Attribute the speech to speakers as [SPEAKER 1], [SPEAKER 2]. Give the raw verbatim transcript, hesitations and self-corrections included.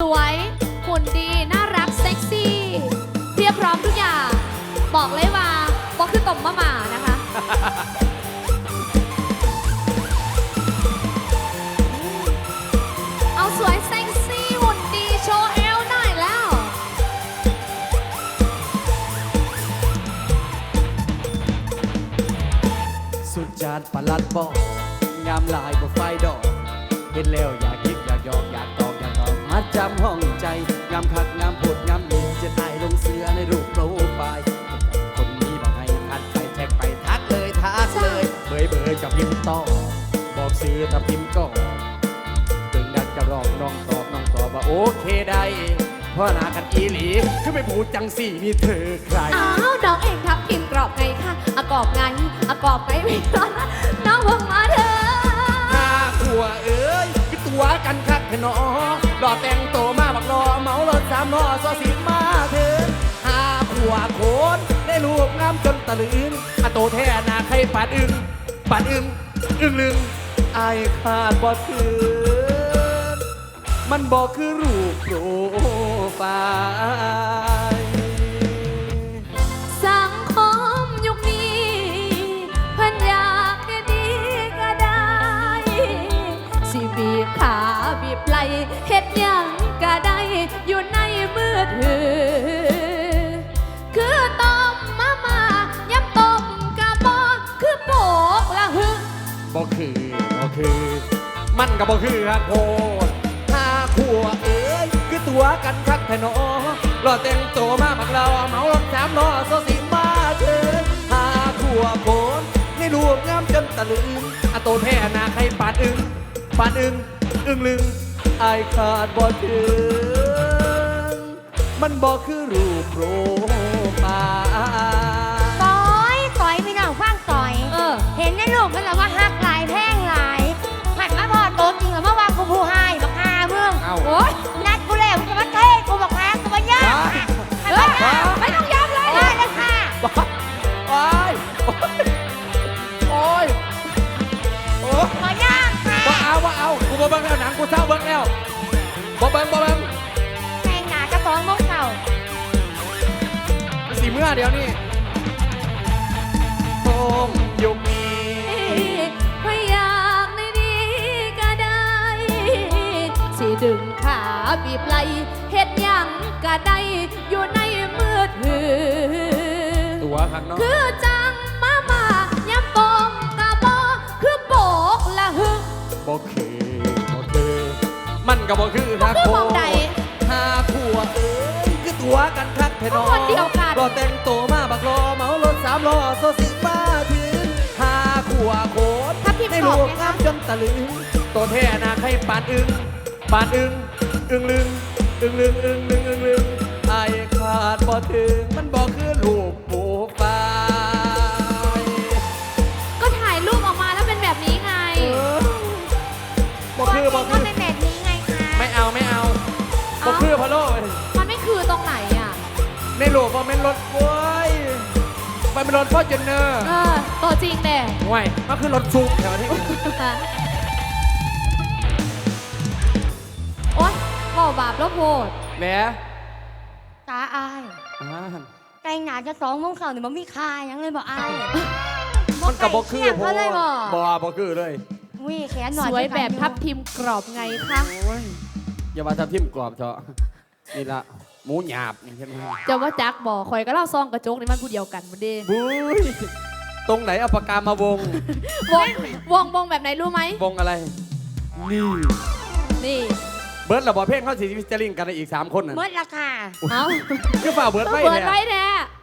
[SPEAKER 1] วยหุ่นดีน่ารักเซ็กซี่เพียบพร้อมทุกอย่างบอกเลยว่าบอกคือต่อมมะหม่านะคะ เอาสวยเซ็กซี่หุ่นดีโชว์เอวหน่อยแล้ว
[SPEAKER 2] สุดจานประหลัดบอกงามลายบ่ไฟดอกเห็นแล้วอยากคิดอยากยอกอยากตอกอยากตอกมาจำห้องใจงามคักงามโพดงามดีจะถ่ายลงเสือในรูปโปรไฟล์คนนี้บอกให้ทัดไปแท็กไปทักเลยทักเลยเบยเบยกับพิมพ์ต่อบอกซื้อถ้าพิมพ์ก็ตึงดันจะร้องน้องตอบน้องตอบว่าโอเคได้เพราะหนากันอีหลีคือไม่พูดจังสี่มีเธอใคร
[SPEAKER 1] อ้าวน้องเองครับพิมพ์กรอบไงคะอะกรอบไงอะกรอบไงไม่ร้อนนะน้องเพิ่งมาเถอะ
[SPEAKER 2] ห้าขัวเอ้ยคือตัวกันคักแค่นอดอแต่งโตมาบักรอเมารถสามนอซอสีมาเถินห้าขัวโคนได้ลูกงามจนตะลึงอะโตแท้นาใครปาดอึงปาดอึงอึงลึงไอายขาดบ่ถือมันบอกคือรูปโปรไฟล์
[SPEAKER 1] สังคมยุคนี้เพิ่นอยากให้ดีก็ได้สิบีบขาบีบไหลเฮ็ดหยังก็ได้อยู่ในมือถือคือต้มมามาย้ำต้มกะบ่คือโปกละหึ
[SPEAKER 2] บ่คือบ่คือ มันก็บ่คือครับโพดห้าขัวเอ้ยคือตัวกันคักแท้นอรอแต่งตัวมาบักเราเมารถสามล้อโซสิมาเถินห้าขัวโคนในรูปงามจนตะลึงอะโตแท้นาใครปาดอึงปาดอึงอึงลึงอายขาดบ่ถึงมันบ่คือรูปโปรไฟล์
[SPEAKER 3] ต่อยต่อยพี่น้องฟังต่อย
[SPEAKER 1] เออ
[SPEAKER 3] เห็นในรูปมันแล้วว่าฮักหลายแพงหลายหันมาพอโตจริงหรือว่าว่ากูผู้ให้บักฮาเมือง
[SPEAKER 2] เอ้า
[SPEAKER 3] โอ๊ยนัดกูแล้วมึงจะมาเทศกูบักฮากูมาเยอะ
[SPEAKER 1] เฮ้ยไม่ต้องย้ำเลย
[SPEAKER 3] ได้เลยค่ะ
[SPEAKER 2] บ้าโอ้ยโอ้ยโอ้ย
[SPEAKER 3] ขอย่างค่ะ
[SPEAKER 2] บ่เอาบ่เอากูบ่เบิ่งแล้วหนังกูเศร้าเบิ่งแล้วบ่เบิ่งบ่เบิ่ง
[SPEAKER 3] แพงหนากระสองมกเก่า
[SPEAKER 2] สีเมื่อเดี๋ยวนี้ผมยุคนี้
[SPEAKER 1] พยายามในดีก็ได้ สิดึงขาบีบไหลเฮ็ดหยังก็ได้อยู่ในมือถือ
[SPEAKER 2] ตัวข้างนอก
[SPEAKER 1] คือจังมามาย้ำตมกะบอคือโบกละหึ
[SPEAKER 2] บ่คือบ่คือมันก็บ่คือทัก
[SPEAKER 1] คือ
[SPEAKER 2] โค
[SPEAKER 1] มองใด
[SPEAKER 2] ห้าขัวเอ้ยคือตัวกันคักแท้นอ
[SPEAKER 1] คนเดียวกัน
[SPEAKER 2] รอแต่งโตมาบักรอเมารถสามล้อโซสิมาถึงห้าขัวโคตร
[SPEAKER 1] ถ้าพิมพ์
[SPEAKER 2] ใน
[SPEAKER 1] ตอ
[SPEAKER 2] รู
[SPEAKER 1] บ
[SPEAKER 2] ป
[SPEAKER 1] ไง
[SPEAKER 2] งา
[SPEAKER 1] คะ
[SPEAKER 2] มจนตะลึงตัวแท้นาใครปานอึงปานอึงอึงลึงอึงลึงอึงลึงอึงลึงไอายขาดบ่ถึงมันบ่คือรูปโปรไฟล์
[SPEAKER 1] ก็ถ่ายรูปออกมาแล้วเป็นแบบนี้ไง
[SPEAKER 2] เออบ่คือบ่
[SPEAKER 3] ก็
[SPEAKER 2] คือ
[SPEAKER 3] เป็นแบบนี้ไงคะ
[SPEAKER 2] ไม่เอาไม่เอาบ่
[SPEAKER 1] เอ้า
[SPEAKER 2] คือพะโล่
[SPEAKER 1] มันไม่คือตรงไหนอ่ะ
[SPEAKER 2] ในรูปบ่แม่นรถโว้ยมันเป็นรถฟอร์จูเนอร์
[SPEAKER 1] เออ ตัวจริงเด้
[SPEAKER 2] ห่วยมันคือรถซุกแถวนี้
[SPEAKER 1] โอ๊ยบอกบาปแล้วโพด
[SPEAKER 2] แหม
[SPEAKER 3] ตาอาย
[SPEAKER 2] อ่า
[SPEAKER 3] แกงหนาจะสองโมงเสาร์เนี่ยมันมีคายังเลยบอกอาย
[SPEAKER 2] มันกับบ่คือ
[SPEAKER 3] เทียบเขาเลยบอก
[SPEAKER 2] บ่บ่คือเลย
[SPEAKER 3] วิ่แขนหน่อย
[SPEAKER 1] สวยแบบทับทิมกรอบไงคะ
[SPEAKER 2] โอ้ยอย่ามาทำทิมกรอบเถอะนี่ละหมูหยาบนี่ใช่ไหม
[SPEAKER 1] จะว่าจักบอกคอยก็เล่าซองกระจกนี่มันผู้เดียวกันมันเด้
[SPEAKER 2] บุ้ยตรงไหนเอาปากกามาวง
[SPEAKER 1] วงวงวงแบบไหนรู้ไหม
[SPEAKER 2] วงอะไร นี่
[SPEAKER 1] นี่
[SPEAKER 2] เบิร์ดระบอเพลงเขาสีวิจาริงกันอีกสามคนน่ะ
[SPEAKER 3] เมื่อราคา
[SPEAKER 1] เอ้า
[SPEAKER 2] คือฝ่าเบิร์ดไม่
[SPEAKER 1] เปิด
[SPEAKER 2] เนี่ย
[SPEAKER 1] ไว้แท้